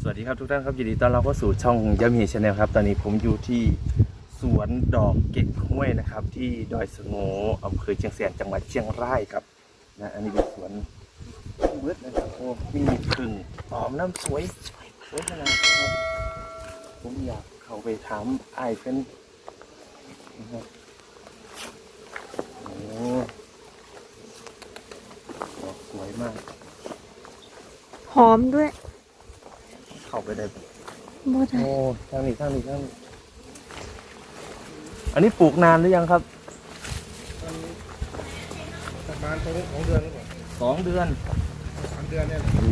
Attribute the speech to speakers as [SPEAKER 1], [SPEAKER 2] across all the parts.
[SPEAKER 1] สวัสดีครับทุกท่านครับยินดีต้อนรับเข้าสู่ช่องยามีชาแนลครับตอนนี้ผมอยู่ที่สวนดอกเก๊กฮวยนะครับที่ดอยสะโง่อำเภอเชียงแสนจังหวัดเชียงรายครับนะอันนี้เป็นสวนเบิร์ดนะครับโอ้มีผึ่งหอมน้ำสวยขนาดนี้ครับผมอยากเข้าไปถามไอ้เป็นนะครับโอ้ดอกสวยมาก
[SPEAKER 2] หอมด้วย
[SPEAKER 1] เข้าไปได้
[SPEAKER 2] บ่ได้
[SPEAKER 1] โอ้ทางนี้อันนี้ปลูกนานหรือยังครับ
[SPEAKER 3] ประมาณ2 เดือนหรือเปล่า
[SPEAKER 1] 2 เดือน
[SPEAKER 3] 3 เดือนเนี่ย
[SPEAKER 1] โอ้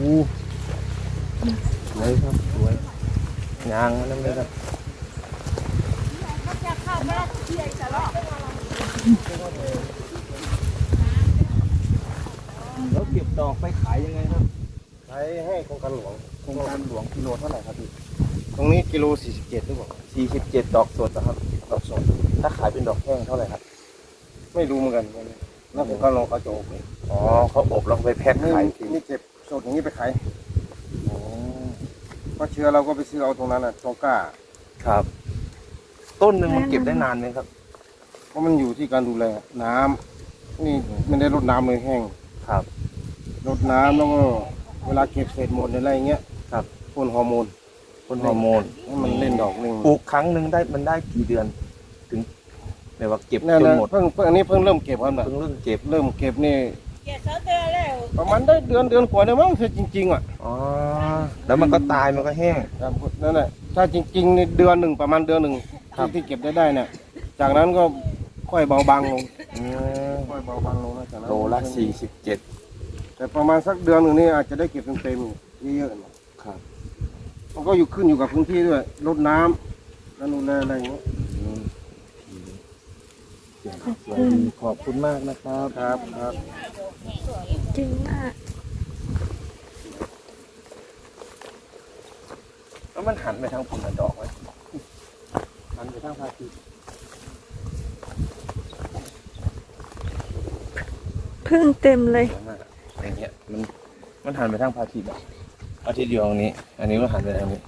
[SPEAKER 1] สวยครับสวยงางนั่นเลยครับแล้วเก็บดอกไปขายยังไงครับ
[SPEAKER 3] ขายให้โครงการหลวง
[SPEAKER 1] โครงการหลวงกิโลเท่าไหร่ครับพี่
[SPEAKER 3] ตรงนี้กิโล47หรือเปล่า
[SPEAKER 1] 47 ดอกสดนะครับดอกสดถ้าขายเป็นดอกแห้งเท่าไหร่ครับ
[SPEAKER 3] ไม่รู้เหมือนกันแล้วโครงการหลวงเขาจะอบเลย
[SPEAKER 1] อ๋อเขาอบแล้วไปแพ็คขายที
[SPEAKER 3] นี่เก็บสดอย่างนี้ไปขาย
[SPEAKER 1] โอ้
[SPEAKER 3] เพราะเชื้อเราก็ไปซื้อเอาตรงนั้นน่ะตรงก้า
[SPEAKER 1] ครับต้นหนึ่งมันเก็บได้นานไหมครับ
[SPEAKER 3] เพราะมันอยู่ที่การดูแลน้ำนี่ไม่ได้รดน้ำเลยแห้ง
[SPEAKER 1] ครับ
[SPEAKER 3] รดน้ำแล้วก็เวลาเก็บเศษหมดอะไรอย่างเงี้ย
[SPEAKER 1] ครับ
[SPEAKER 3] พ่นฮอร์โมนให้มันเล่นดอกเล่น
[SPEAKER 1] ปลูกครั้งหนึ่งได้กี่เดือนถึงแบบว่าเก็บจนหมด
[SPEAKER 3] เพิ่งอันนี้เพิ่งเริ่มเก็บครับ
[SPEAKER 1] เพิ่งเริ่มเก็บ
[SPEAKER 3] นี่ประมาณได้เดือนกว่าเนี่ยมั้งคือจริงๆอ่ะ
[SPEAKER 1] อ๋อแล้วมันก็ตายมันก็แห้ง
[SPEAKER 3] ครับนั่นแหละถ้าจริงๆในเดือนหนึ่งประมาณเดือนหนึ่งที่เก็บได้เนี่ยจากนั้นก็ค่อยเบาบางลงค่อยเบาบางลงนะจากนั้น
[SPEAKER 1] โลละ47
[SPEAKER 3] แต่ประมาณสักเดือนหนึ่งนี่อาจจะได้เก็บเต็มๆเยอะๆ
[SPEAKER 1] ครับ
[SPEAKER 3] มันก็ขึ้นอยู่กับพื้นที่ด้วยรดน้ำแล้วดูแลอะไรอย่างเงี้ย
[SPEAKER 1] ขอบคุณมากนะครับ
[SPEAKER 3] ครับ
[SPEAKER 2] จริงมาก
[SPEAKER 1] แล้วมันหันไปทางผลดอกไหมหันไปทางพระอาทิตย์
[SPEAKER 2] พึ่งเต็มเลย
[SPEAKER 1] อย่างเงี้ยมันหันไปทางพระอาทิตย์อาทิตย์อยู่ตรงนี้อันนี้ก็หันไปทางนี้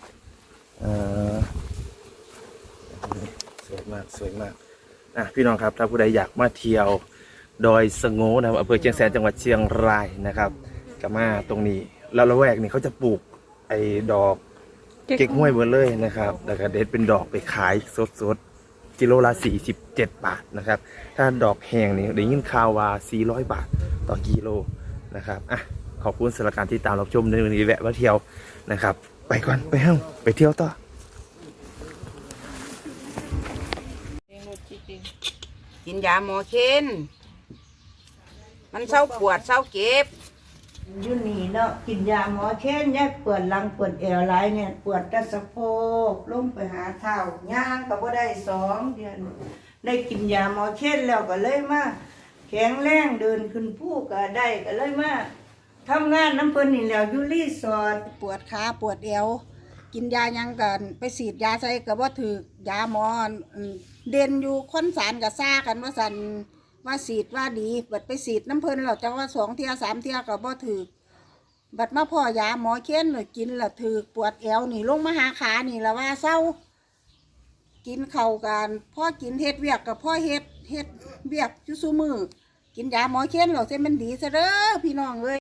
[SPEAKER 1] สวยมากพี่น้องครับถ้าผู้ใดอยากมาเที่ยวดอยสะโง่นะครับอำเภอเชียงแสนจังหวัดเชียงรายนะครับก็มาตรงนี้แล้วละแวกนี้เขาจะปลูกไอ้ดอกเก๊กฮวยเบอร์เลยนะครับแล้วก็เด็ดเป็นดอกไปขายสดกิโลละ47 บาทนะครับถ้าดอกแห้งนี่ได้ยินข่าวว่า400 บาทต่อกิโลนะครับขอบคุณสำหรับการติดตามรับชมในวันนี้แวะมาเที่ยวนะครับไปก่อนไปเที่ยวต่อ
[SPEAKER 4] กินยาหมอเค้นมันเศร้าปวดเศร้าเก็บ
[SPEAKER 5] อยู่นี่เนาะกินยาหมอเค้นเนี่ยปวดหลังปวดเอวหลายเนี่ยปวดตะสะโพกลงไปหาเท้าย่างก็บ่ได้2 เดือนได้กินยาหมอเค้นแล้วก็เลยมาแข็งแรงเดินขึ้นภูก็ได้ก็เลยมาทำงานน้ำเพิ่นนี่แล้วอยู่รีสอร์ท
[SPEAKER 4] ปวดขาปวดเอวกินยายังกันไปฉีดยาใส่ก็บ่ถูกยาหมอเด่นอยู่คนสารกับซ่ากันว่าสันว่าฉีดว่าดีบัดไปฉีดน้ำเพิ่นเราจะว่า2 เที่ย 3 เที่ยก็บ่ถูกบัดมาพ่อยาหมอเค้นเลยกินแล้วถูกปวดเอวนี่ลงมาหาขานี่ละว่าเศร้ากินเข่ากันพ่อกินเฮ็ดเวียกกับพ่อเฮ็ดเวียกอยู่ซุมือกินยาหมอเค้นเราเส้นมันดีซะเด้อพี่น้องเอ้ย